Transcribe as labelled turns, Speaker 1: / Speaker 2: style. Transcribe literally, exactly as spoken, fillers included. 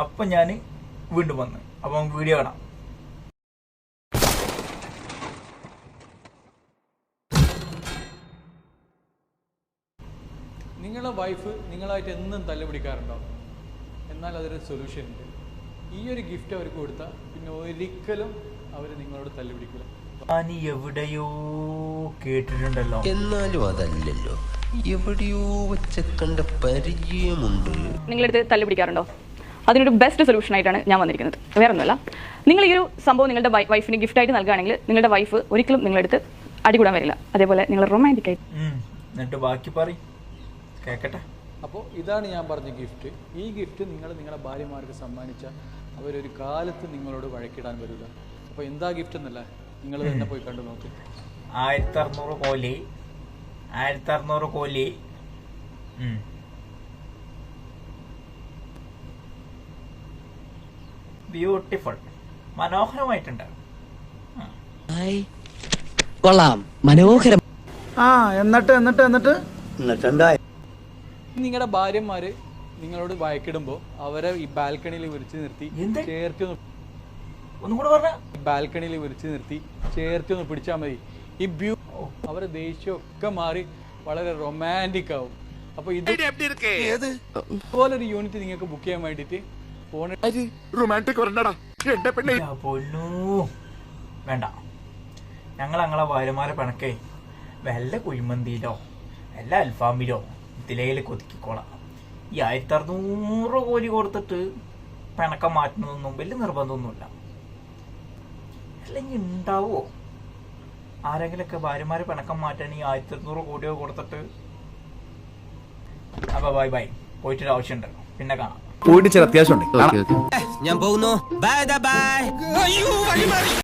Speaker 1: അപ്പം ഞാൻ വീണ്ടും വന്ന് അപ്പം വീഡിയോ കാണാം.
Speaker 2: നിങ്ങളുടെ വൈഫ് നിങ്ങളായിട്ട് എന്നും തല്ലുപിടിക്കാറുണ്ടോ? എന്നാൽ അതൊരു സൊല്യൂഷൻ ഉണ്ട്. ഈ ഒരു ഗിഫ്റ്റ് അവർക്ക് കൊടുത്താൽ പിന്നെ ഒരിക്കലും അവർ നിങ്ങളോട് തല്ലുപിടിക്കില്ല.
Speaker 1: ഞാൻ എവിടെയോ കേട്ടിട്ടുണ്ടല്ലോ,
Speaker 3: എന്നാലും അതല്ലല്ലോ, എവിടെയോ വെച്ച കണ്ട പരിചയമുണ്ട്.
Speaker 4: നിങ്ങളെടുത്ത് തല്ലുപിടിക്കാറുണ്ടോ? അതിനൊരു ബെസ്റ്റ് സൊല്യൂഷൻ ആയിട്ടാണ് ഞാൻ വന്നിരിക്കുന്നത്. വേറെ ഒന്നുമല്ല, നിങ്ങൾ ഈ ഒരു സംഭവം നിങ്ങളുടെ വൈഫിന് ഗിഫ്റ്റായിട്ട് നൽകുകയാണെങ്കിൽ നിങ്ങളുടെ വൈഫ് ഒരിക്കലും നിങ്ങളെടുത്ത് അടികൂടാൻ വരില്ല. അതേപോലെ നിങ്ങൾ റൊമാൻറ്റിക് ആയിട്ട്
Speaker 1: എന്നിട്ട് ബാക്കി പറയും കേക്കട്ടെ.
Speaker 2: അപ്പോൾ ഇതാണ് ഞാൻ പറഞ്ഞ ഗിഫ്റ്റ്. ഈ ഗിഫ്റ്റ് നിങ്ങൾ നിങ്ങളുടെ ഭാര്യമാർക്ക് സമ്മാനിച്ചാൽ അവരൊരു കാലത്ത് നിങ്ങളോട് വഴക്കിടാൻ വരില്ല. അപ്പോൾ എന്താ ഗിഫ്റ്റ് എന്നല്ല, നിങ്ങൾ തന്നെ പോയി കണ്ടു നോക്ക്.
Speaker 1: ആയിരത്തി അറുന്നൂറ് കോലി ആയിരത്തി അറുന്നൂറ് കോലി ബ്യൂട്ടിഫുൾ, മനോഹരമായിട്ടുണ്ട്.
Speaker 5: കൊള്ളാം, മനോഹരം.
Speaker 6: ആ എന്നിട്ട് എന്നിട്ട് എന്നിട്ട്
Speaker 2: നിങ്ങളുടെ ഭാര്യമാര് നിങ്ങളോട് വഴക്കിടുമ്പോൾ അവരെ ഈ ബാൽക്കണിയിൽ വിളിച്ചു നിർത്തി ചേർത്തി
Speaker 1: ഒന്നും കൂടെ പറഞ്ഞ
Speaker 2: ബാൽക്കണിയിൽ വിളിച്ചു നിർത്തി ചേർത്തി ഒന്ന് പിടിച്ചാൽ മതി. ഈ ബ്യൂ അവരെ ദേഷ്യമൊക്കെ മാറി വളരെ റൊമാൻറ്റിക് ആവും. അപ്പൊ ഇത് ഇതുപോലൊരു യൂണിറ്റ് നിങ്ങൾക്ക് ബുക്ക് ചെയ്യാൻ വേണ്ടിട്ട് ഫോണിൽ
Speaker 1: പൊന്നു വേണ്ട, ഞങ്ങൾ ഞങ്ങളെ ഭാര്യമാരെ പിണക്കേ വല്ല കുഴിമന്തിയിലോ വല്ല അൽഫാമിലോ ഇതിലയിൽ കൊതിക്കോളാം. ഈ ആയിരത്തി അറുന്നൂറ് കോലി കൊടുത്തിട്ട് പിണക്കം മാറ്റുന്നതൊന്നും വലിയ നിർബന്ധമൊന്നുമില്ല. അല്ലെങ്കിൽ ഉണ്ടാവോ ആരെങ്കിലൊക്കെ ഭാര്യമാരെ പിണക്കം മാറ്റാൻ ഈ ആയിരത്തി അറുന്നൂറ് കോടിയോ കൊടുത്തിട്ട്? അപ്പൊ ബൈ ബൈ, പോയിട്ടൊരു ആവശ്യമുണ്ട്, പിന്നെ കാണാം.
Speaker 6: പോയിട്ട് ചില അത്യാവശ്യമുണ്ട്.
Speaker 3: ഞാൻ പോകുന്നു. Bye by.